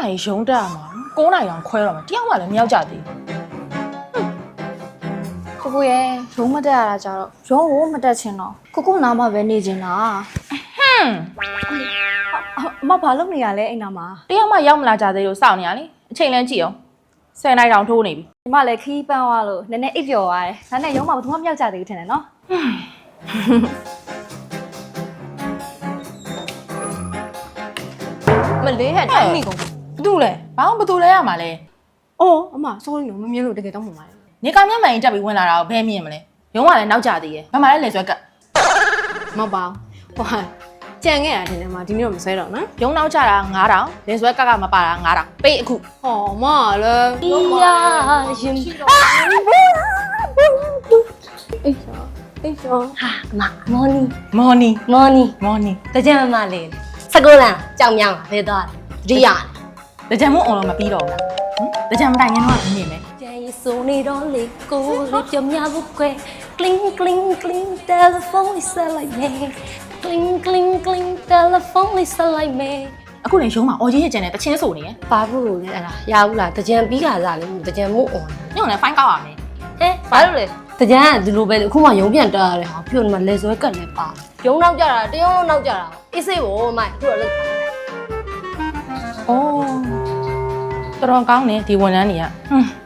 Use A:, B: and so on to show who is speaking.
A: နိုင်ရုံးတက်ရမှာ9နိုင်အောင်ခွဲတော့မှာတယောက်မှလည်းမရောက်ကြသေး
B: ကိုကိုရဲ့ရုံးမတက်ရတာကြတော့ရုံးကိုမတက်ချင်တော့ကိုနားမှာပဲနေချင်တာအမဘာလုပ်နေရလဲအိမ်နာမှာ
A: တယောက်မှရောက်မလာကြသေးလို့စောင့်နေရလေအချိန်လန်းကြည့်အောင်10နိုင်တောင်ထိုးနေပြီ
B: ဒီမလည်းခီးပန်းသွားလို့နည်းနည်းအိပ်ပျော်သွားတယ်ဒါနဲ့ရုံးမှာဘာမှမရောက်ကြသေးဘူးထင်တယ်နော်
C: မလေးဟဲ့တိုင်းမိကုန်ဘာတူလဲ
A: ဘာမှမတူလဲရမှာလဲ
C: အော်အမ sorry နော်မမြင်လို့တကယ်တော့မှမပါတယ်
A: နေကမျက်မှန်ရင်တက်ပြီးဝင်လာတာကိုဘယ်မြင်မလဲရုံးကလည်းနောက်ကြသေးရဲ့ဘယ်မှာလဲလေဆွဲကတ်
C: မပါဟိုဟာကြံခဲ့တာတင်တယ်မှာဒီနေ့တော့မဆွဲတော့နော်
A: ရုံးနောက်ကြတာ9000လေဆွဲကတ်ကမပါတာ9000ပေးအခု
C: ဟောမလည်း
B: ဒီယာရင်
C: အိတ်ဆော
B: ဟာမော်နီတကြံမလေးစကုလန်ကြောင်မြောင်းဖေးသွားတတိယ
A: တကြံမို့အောင်တော့မပြီးတော့ဘူးလားတကြံမတိုင်ငင်းတော့မြင်မယ်
B: ကျန်ရဆိုနေတော့လေကိုလေးကြမြဘူးကွယ် cling cling cling telephone is like me cling cling cling telephone is like me
A: အခုလည်းရုံးမှာအော်ကြီးရဲ့ကျန်တဲ့တချင်းဆိုနေရယ်
B: ဘာဘူးလို့လဲအဲ့ဒါရဘူးလားတကြံပြီးခါစားလေတကြံမို့အောင်
A: ညောင်လည်းဖိုင်းကောက်ရမယ်
B: ဟဲ့ဘာလို့လဲတကြံကဒီလိုပဲအခုမှရုံးပြန်တက်ရတယ်ဟာပြုတ်နေမှာလေဆွဲကတ်လည်းပါရုံးနောက်ကြတာတရုံးလုံးနောက်ကြတာအေးစိတ်ဘောမိုက်အခုတော့လောက်
A: အော်တော်ကောင်းနေဒီဝန်ထမ်းတွေက